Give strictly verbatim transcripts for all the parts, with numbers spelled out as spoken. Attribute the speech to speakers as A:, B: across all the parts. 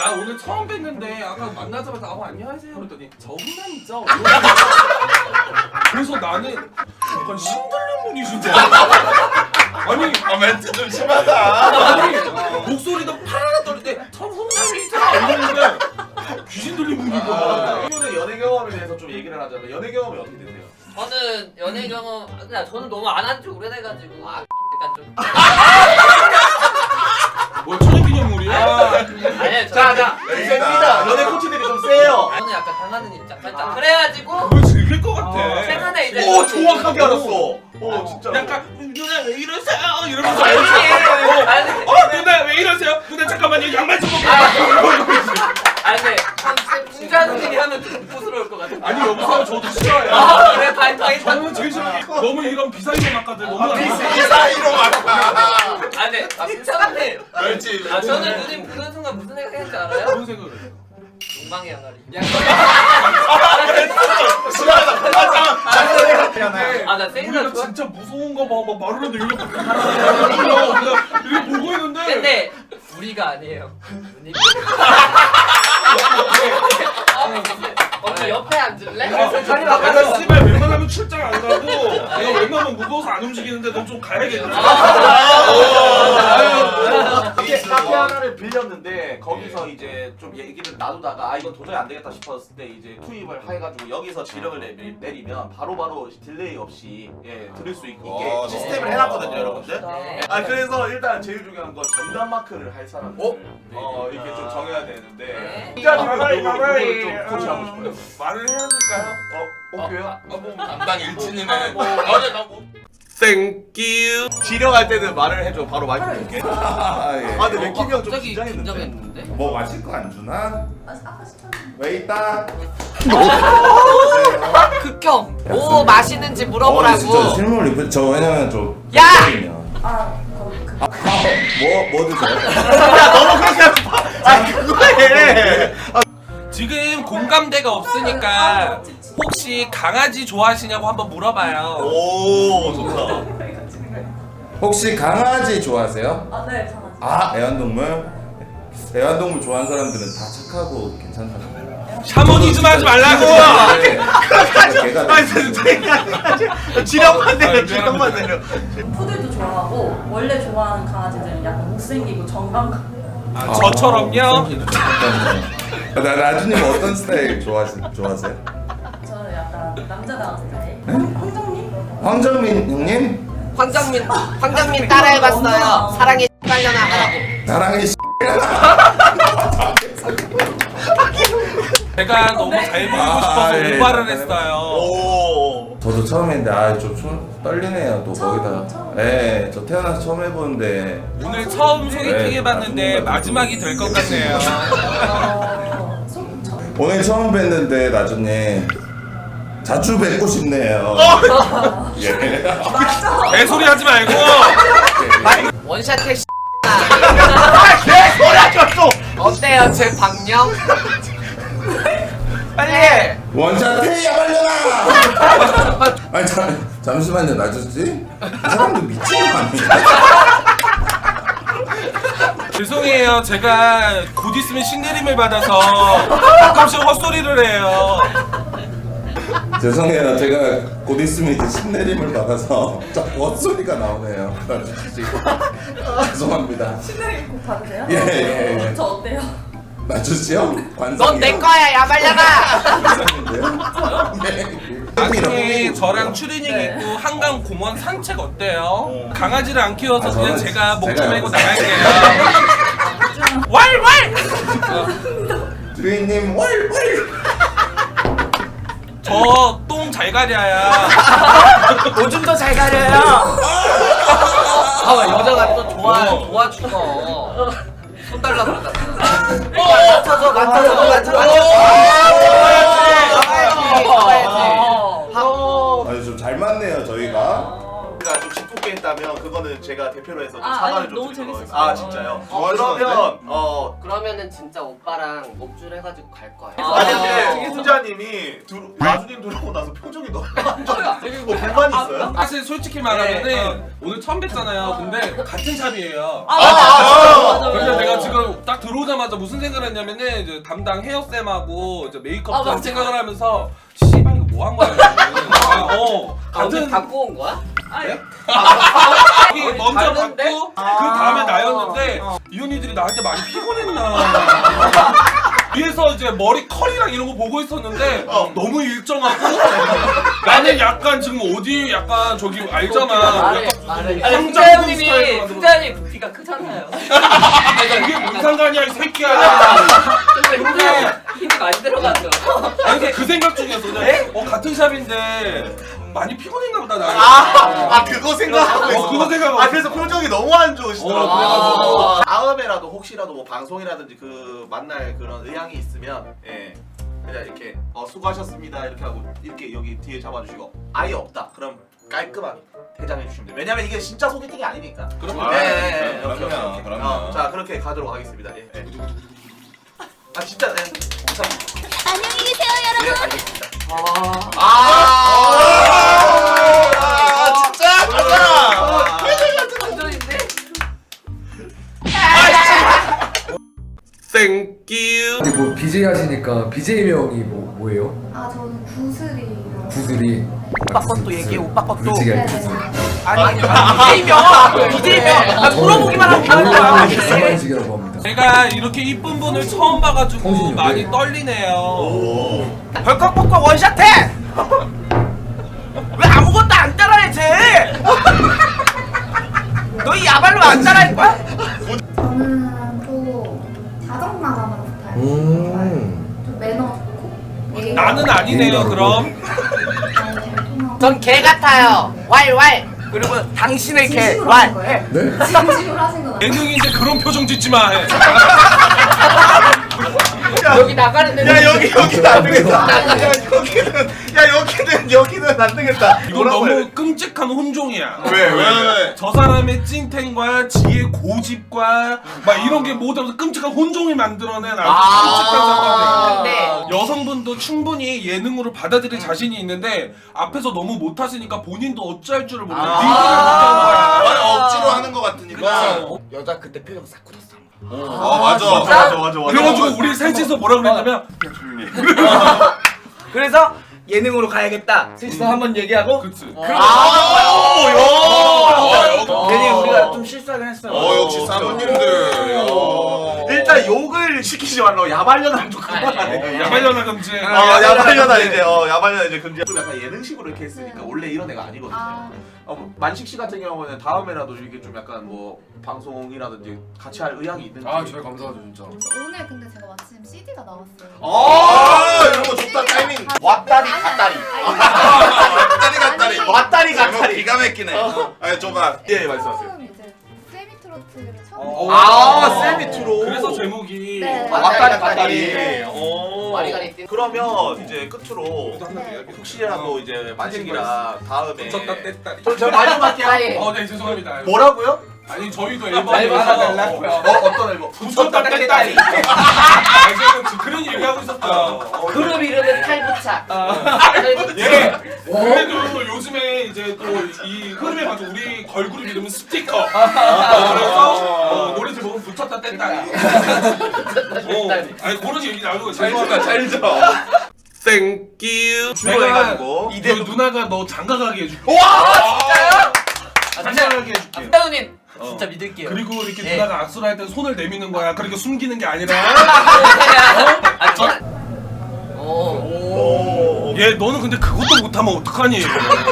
A: 나 오늘 처음 뵀는데 아까 만나자마자 아 안녕하세요 그랬더니 저분남이죠? 그래서 나는 약간 신들린 분이신 줄 알았어. 아니
B: 아 멘트 좀 심하다.
A: 아니 목소리도 파라라 떨릴 때 저분남이죠? 이러는데 귀신 들린 분인 거야.
B: 이분의 연애 경험에 대해서 좀 얘기를 하자면 연애 경험이 어떻게 되세요?
C: 저는 연애 경험 그냥 저는 너무 안 한 지 오래돼가지고 아 일단 좀
A: 뭐 천연기념물이야?
C: 아니요
B: 자자 셉니다. 연애 코치들이 좀 세요.
C: 저는 약간 당하는 입장 살짝 그래가지고
A: 뭘 즐길 것 같아.
C: 최근에 이제
B: 오 정확하게 알았어. 오 진짜.
A: 약간 누나 왜 이러세요? 이러면서
C: 아니,
A: 어,
C: 아니,
A: 어 누나 왜 이러세요? 누나 잠깐만요 양말 좀 벗고.
C: 아니 근데 한 중간들이 하면 좀 부스러울 것 같아.
A: 아니 여보세요 저도 싫어요.
C: 아 그래 다행이다.
A: 저는 제일 싫어. 너무 이런 비사이로 막가들 너무 안
B: 이
A: 좋아.
B: 사이로 맞다.
C: 아 근데 아 괜찮은데.
B: 그렇지.
C: 아 저는 누님 그런 순간 무슨 생각했는지 알아요?
A: 그런 생각을 해.
C: 욕망의 양아리. 아나 세인아
A: 우리가
C: 좋아.
A: 진짜 무서운 거 봐. 막 말을 해도 이렇게 가라. 이렇게 보고 있는데.
C: 근데 우리가 아니에요. 누님. 어, 저 옆에 앉을래? 자리
A: 내가
C: 바꿔서.
A: 씨발 웬만하면 출장 안 가고 내가 웬만하면 무거워서 안 움직이는데 너 좀 가야겠다.
B: 이게 카페 하나를 빌렸는데 거기서 이제 좀 얘기를 나누다가 아 이건 도저히 안 되겠다 싶었을 때 이제 투입을 해가지고 여기서 지령을 내리, 내리면 바로바로 딜레이 없이 예 들을 수 있, 있게
D: 어,
B: 시스템을
D: 네.
B: 해놨거든요 여러분들.
C: 네.
B: 아 그래서 일단 제일 중요한 건 전담 마크를 할 사람
D: 어?
B: 어 이렇게 좀 정해야 되는데
C: 네.
B: 일단
A: 마마이,
B: 누구
A: 마마이.
B: 좀 코치하고 싶어요.
A: 말을 해야 될까요?
B: 어 오케이요?
D: 뭐 담당 일진이네.
B: 어제 나뭐
A: 땡큐.
B: 지령할 때는 말을 해줘 바로 마이크 줄게.
D: 아, 예.
B: 아 근데 맥킴이 형좀
C: 갑자기
B: 긴장했는데.
C: 긴장했는데?
D: 뭐 마실 거 안 주나?
E: 아까 시켰는데.
D: 왜 있다?
C: 극혐. 뭐 마시는지
D: 어, 진짜
C: 물어보라고.
D: 실물 리플 저 왜냐면 좀
C: 야!
E: 아, 거기 그.
D: 뭐뭐 드세요?
B: 야 너무 그렇게 하지 마. 아 그거해.
A: 지금 공감대가 없으니까 혹시 강아지 좋아하시냐고 한번 물어봐요.
B: 오 좋다.
D: 혹시 강아지 좋아하세요?
E: 아, 네, 강아지.
D: 아 애완동물? 애완동물 좋아하는 사람들은 다 착하고 괜찮다고.
A: 샤머니즘 하지 말라고.
D: 네. 걔가
B: 아니 선생님 지령만 내려 지령만 내려.
E: 푸들도 좋아하고 원래 좋아하는 강아지들은 약간 못생기고 정감.
A: 아, 저처럼요.
D: 나 나주님 어떤 스타일 좋아하시, 좋아하세요?
E: 저는 약간 남자다운 스타일. 황- 황정민?
D: 황정민 형님?
C: 황정민 황정민 따라해봤어요. 사랑의 빨려나 하라고.
D: 나랑의
A: 제가 너무 잘 보이고 싶어서
D: 아, 예.
A: 오바를 했어요.
B: 오.
D: 저도 처음 했는데 아좀 떨리네요 또
E: 처음,
D: 거기다.
E: 처음.
D: 네, 저 태어나서 처음 해보는데
A: 오늘 처음 소개팅
D: 네,
A: 해봤는데
D: 나중에
A: 마지막이 될 것 같네요.
E: 어, 속, 저,
D: 오늘 처음 뵀는데 나주님 자주 뵙고 싶네요. 예.
E: 맞아.
A: 개소리 하지 말고.
C: 원샷 택시.
B: 개소리하지 마.
C: 어때요 제 방영? 빨리 해.
D: 원샷 테이야 말려라. 아니 잠 잠시만요 나주씨. 이 사람들 미친 거 아니야?
A: 죄송해요. 제가 곧 있으면 신내림을 받아서 가끔씩 헛소리를 해요.
D: 죄송해요 제가 곧 있으면 이제 신내림을 받아서 자꾸 헛소리가 나오네요 나주씨. 죄송합니다.
E: 신나게 꼭 받으세요?
D: 예, 예, 예.
E: 저 어때요?
D: 나주씨요?
C: 넌 내 거야 야 말려나.
A: 나중에 저랑 추리닝
E: 네.
A: 입고 한강 공원 산책 어때요? 강아지를 안 키워서
D: 아,
A: 그냥
D: 저는
A: 제가 목 좀
D: 제가
A: 메고
D: 여기서-
A: 나갈게요. 왈왈!
D: 주인님 월월.
A: 저 똥 잘 가려야.
C: 오줌도 잘 가려요. 아 여자가 또 좋아 좋아 죽어. 손 달라 그러다. 맞춰줘 맞춰줘 맞춰줘. 가야지 가야지.
D: 아니 좀 잘 맞네요 저희가.
B: 제가 좀 짓궂게 있다면 그거는 제가 대표로 해서 좀
E: 아,
B: 사과를
E: 아니,
B: 좀
E: 너무
B: 드리도록
E: 재밌었어요.
B: 하겠습니다. 아 진짜요?
D: 어,
B: 그러면 어
C: 그러면은 진짜 오빠랑 목줄 해가지고 갈 거예요.
B: 아니
E: 아.
B: 근데 훈자님이 들 나주님 들어오고 나서 표정이 너무 안 좋아요. 뭐 불만 있어요?
A: 사실 솔직히 말하면은 오늘 처음 뵀잖아요. 근데 같은 샵이에요.
E: 아,
B: 아,
E: 맞아,
B: 아,
E: 맞아, 맞아, 맞아.
A: 그래서 내가 지금 딱 들어오자마자 무슨 생각을 했냐면은 이제 담당 헤어쌤하고 이제 메이크업
E: 아,
A: 쌤
E: 맞아.
A: 생각을 하면서 씨발 이거 뭐 한 거야? 아, 어
C: 아, 오늘
A: 같은
C: 갖고 온 거야?
E: 아니,
A: 이
C: 어디
A: 먼저
C: 다른데?
A: 받고 그 다음에 나였는데 이 언니들이 나한테 많이 피곤했나? 위에서 이제 머리 컬이랑 이런 거 보고 있었는데 너무 일정하고 나는 약간 지금 어디 약간 저기 알잖아.
C: 말해
A: 약간
C: 말해.
A: 아니,
C: 훈자
A: 스타일로
C: 형님이
A: 만들어.
C: 훈자 형님 부피가 크잖아요.
A: 이게 뭔 상관이야 이 새끼야.
C: 근데 훈자 형 힘이 많이 들어가죠.
A: 아니 근데 그 생각 중이었어. 그냥 어 같은 샵인데 많이 피곤했나 보다 나.
B: 아, 아 그거 생각하고
A: 어,
B: 있어.
A: 그거 생각하고
B: 아 그래서 표정이 너무 안 좋으시더라고요.
A: 어,
B: 그래가지고 다음에라도 혹시라도 뭐 방송이라든지 그 만날 그런 의향이 있으면 예 그냥 이렇게 어 수고하셨습니다 이렇게 하고 이렇게 여기 뒤에 잡아주시고 아예 없다 그럼 깔끔하게 퇴장해 주시면 돼요. 왜냐면 이게 진짜 소개팅이 아니니까.
A: 그럼
B: 네, 네, 네.
D: 그럼요,
B: 오케이, 오케이, 오케이.
D: 그럼요.
B: 어, 자 그렇게 가도록 하겠습니다. 예. 예. 아 진짜 네. 자,
F: 안녕히 계세요, 여러분.
B: 예 알겠습니다.
C: 아.
B: 아, 진짜 진짜.
C: 완전인데?
A: 땡큐.
G: 근데 뭐 비제이 하시니까 비제이명이 뭐 뭐예요?
F: 아, 저는 구슬이요.
G: 구슬이.
H: 오빠 것도 얘기해, 오빠 것도.
G: 구슬이 아니
F: 네네.
G: 구슬.
H: 아니, 비제이명! 비제이명! 아, 물어보기만 하면 되는 거야.
G: 이상한식이라고 합니다.
A: 제가 이렇게 이쁜 분을 처음 봐가지고
G: 성신이
A: 많이
G: 왜?
A: 떨리네요.
H: 벌컥벌컥 원샷해! 왜 아무것도 안 따라해, 쟤! 너 이 야발로 안 따라할 거야?
F: 저는 또 다정마감으로 스타일.
G: 음.
F: 좀 매너 좋고. 예의
A: 나는 아니네요. 그럼
F: 잘 통하고.
H: 전 개 같아요. 왈왈. 그리고 당신의 개.
F: 진심으로 하신
H: 왈.
F: 거예요?
G: 네?
F: 진심으로 하신 건 아니에요?
A: 예능인데 그런 표정 짓지 마. 해.
C: 여기 나가는 데는
B: 야 여기 여기는 안 되겠다. 야 여기는 야 여기는 여기는 안 되겠다.
A: 이건
B: 뭐라고 해야
A: 너무
B: 돼?
A: 끔찍한 혼종이야.
B: 왜, 왜, 왜?
A: 저 사람의 찐텐과 지의 고집과 막 이런 게 모두 하면서 끔찍한 혼종을 만들어낸 아주 끔찍한 상황이에요.
H: 네.
A: 여성분도 충분히 예능으로 받아들일 자신이 있는데 앞에서 너무 못하시니까 본인도 어찌할 줄을 몰라.
B: 아.
A: 리드를 못하는 거야.
D: 억지로 하는 것 같으니까.
A: 그쵸.
H: 여자 그때 표정 싹 굳었어.
D: 어 맞아.
B: 맞아 맞아 맞아.
A: 그래가지고 우리 셋이서 뭐라 그랬냐면
H: 그래서 예능으로 가야겠다. 셋이서 한번 얘기하고.
A: 그치.
B: 아,
H: 괜히 우리가 좀 실수하긴 했어요.
D: 어 역시 사모님들. 어.
B: 일단 욕을 시키지 말라고 야발려나 좀 그만하네.
A: 야발려나 금지.
B: 아 야발려나 이제 어 야발려나 이제 금지. 좀 약간 예능식으로 이렇게 했으니까 원래 이런 애가 아니거든요.
F: 아.
B: 어, 뭐 만식 씨 같은 경우는 다음에라도 이게 좀 약간 뭐 방송이라든지 같이 할 의향이 있는지.
G: 감사하죠 진짜.
F: 오늘 근데 제가 마침 씨디가 나왔어요.
B: 아
D: 이런 거 좋다 타이밍.
B: 왔다리
F: 아니,
B: 갔다리.
D: 갔다리 갔다리.
F: 아니,
B: 왔다리
D: 제목
B: 갔다리.
D: 기가 막히네. 아니 줘봐.
B: 예 말씀하세요.
F: 처음 이제 세미트로트를 처음.
A: 어.
B: 아 세미트로.
A: 그래서 제목이
F: 네.
B: 왔다리 갔다리.
F: 네.
B: 오.
C: 와리가리 뛴-
B: 그러면 이제 끝으로
F: 네.
B: 혹시라도 이제 만식이랑 다음에
A: 쳤다 뗐다.
B: 저, 저 마지막 게
C: 아니.
A: 어, 네 죄송합니다.
B: 뭐라고요?
A: 아니 저희도 앨범
C: 앨범 하나 달라고요.
B: 어 어떤 앨범?
A: 붙였다 뗐다리. 아니 제가 지금 그런 얘기하고 있었어요.
C: 그룹 이름은 탈부착.
A: 예. 그래도 요즘에 이제 또 이 흐름에 맞춰 우리 걸그룹 이름은 스티커. 어, 그래서 어, 노래 제목은 붙였다 뗐다리. 어, 아니 그런 얘기 나오고 죄송합니다.
B: 잘 줘.
A: 땡큐.
B: 주로 해가지고.
A: 이대 누나가 너 장가가게 해줄게.
B: 와 진짜요?
A: 장가가게 해줄게.
H: 한다우님
A: 어.
H: 진짜 믿을게요.
A: 그리고 이렇게
H: 네.
A: 누나가 악수를 할 때 손을 내미는 거야. 그러니까 숨기는 게 아니라.
C: 아, 저. 오.
B: 오.
A: 얘 너는 근데 그것도 못하면 어떡하니?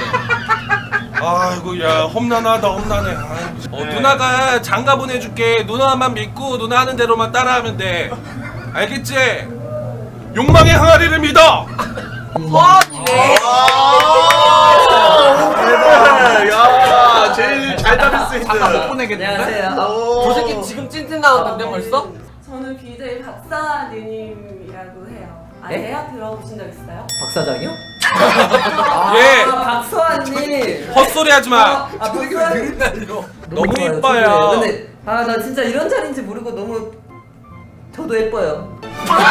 A: 아이고 야 험난하다 험난해. 아이고. 어,
B: 네.
A: 누나가 장가 보내줄게. 누나만 믿고 누나 하는 대로만 따라하면 돼. 알겠지? 욕망의 항아리를 믿어.
H: 와,
B: 대박. 야 제일 잘 잡을 수 있는.
C: 안녕하세요.
B: 오.
C: 저 새끼 지금 찐텐 나왔는데 벌써?
E: 저는 비제이 박사님이라고 해요. 아세요? 들어보신 적 있어요?
C: 박 사장이요? 아,
A: 예.
C: 박서환님.
A: 헛소리 하지 마.
C: 아, 박서환.
A: 너무
C: 좋아요,
A: 이뻐요.
C: 좋아요. 근데 아, 나 진짜 이런 자리인지 모르고 너무 저도 예뻐요.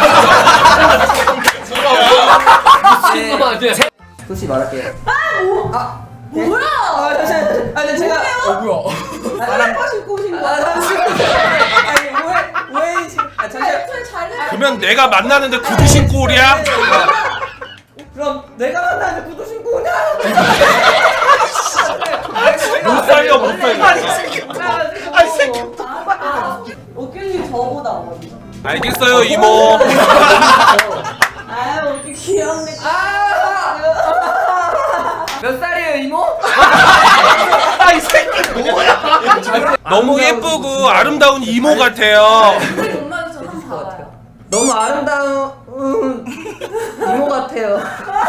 C: 네. 솔직히 말할게요. 아, 뭐야? 아, 잠시만. 아니 제가
G: 어 뭐야?
C: 사랑 신고 오신 거. 아, 아니 왜 왜 지금? 아, 잠시만.
A: 그러면 내가 만나는데 구두 신고 오랴?
C: 그럼 내가 만나는데 구두 신고 오냐?
A: 못 살려 못 살려.
C: 아이 새끼.
E: 어깨님 저보다 어리.
A: 알겠어요 이모.
E: 아, 어깨 귀엽네.
C: 몇 살이에요 이모?
A: 아이 새끼 뭐야? 너무 예쁘고 아름다운 이모 같아요.
E: 근데 엄마도 저 한번 봐봐요.
C: 너무 아름다운 음, 이모 같아요.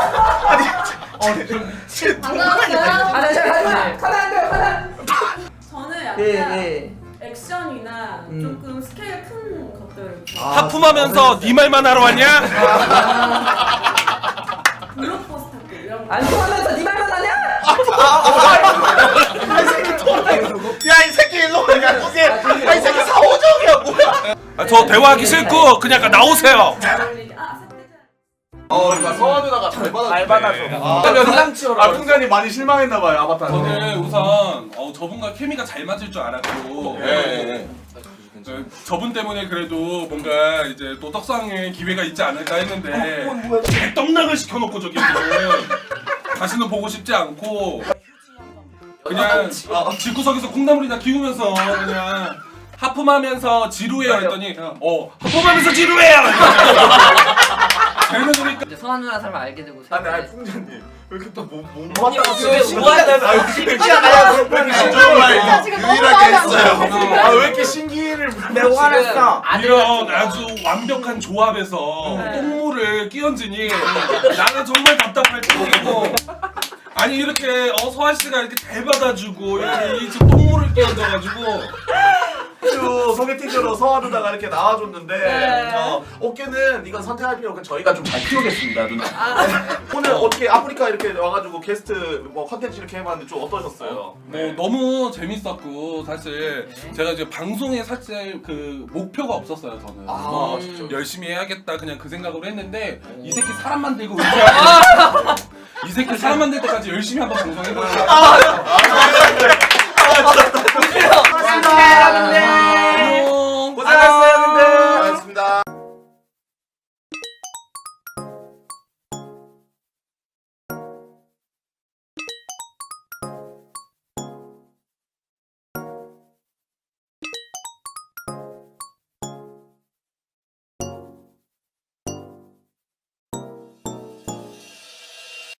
E: 반가웠어요.
C: 아, 나 잘 가지 마. 가면 안 돼요. 가면.
E: 저는 약간
C: 예, 예.
E: 액션이나
C: 음.
E: 조금 스케일 큰 것들.
A: 하품하면서 네 말만 하러 왔냐?
E: 블록버스터 이런 거.
C: 안 통하면서 네 말만 하냐?
B: 야 이 새끼 일로 와. 야 이게 야이 새끼 사오정이야 뭐야?
A: 아, 저 대화하기 싫고 그냥 나오세요.
E: 잘 어울리게. 아, 색대장.
B: 어 그러니까 서아 누나가 잘 받아. 잘 받아줘.
A: 아,
B: 아 풍자님 많이 실망했나봐요 아바타.
A: 저는 우선 어, 저분과 케미가 잘 맞을 줄 알았고
B: 예, 예.
A: 저, 저분 때문에 그래도 뭔가 이제 또 떡상의 기회가 있지 않을까 했는데 개떡락을 시켜놓고 저기 다시는 보고 싶지 않고 그냥 집구석에서 콩나물이나 키우면서 그냥 하품하면서 지루해요 했더니 어 하품하면서 지루해요 그러니까
C: 이제 서한 누나 삶을 알게 되고.
B: 아니 아니 풍자님 왜 이렇게 또못
C: 아니,
B: 맞다가
C: 왜 신기하다고.
B: 아 신기하다. 왜 이렇게 신기해?
F: 유일하게
B: 했어요. 아왜 이렇게 신기를 내가 화냈어?
A: 이런 아주 완벽한 조합에서 똥물을 끼얹으니 나는 정말 답답할 뿐이고 아니 이렇게 어 서한 씨가 이렇게 잘 받아주고 이렇게 이 지금 똥물을 끼얹어가지고
B: 주 소개팅으로 서아 누나가 이렇게 나와줬는데
E: 네.
B: 어, 어깨는 이건 선택할 필요 없고 저희가 좀 잘 키우겠습니다 누나. 오늘 어떻게 아프리카 이렇게 와가지고 게스트 뭐 컨텐츠 이렇게 해봤는데 좀 어떠셨어요?
A: 뭐 너무 재밌었고 사실 제가 이제 방송에 사실 그 목표가 없었어요 저는
B: 아,
A: 어,
B: 진짜.
A: 열심히 해야겠다 그냥 그 생각으로 했는데 이 새끼 사람 만들고 의지하고 이 새끼 사람 만들 때까지 열심히 한번 방송해볼게요.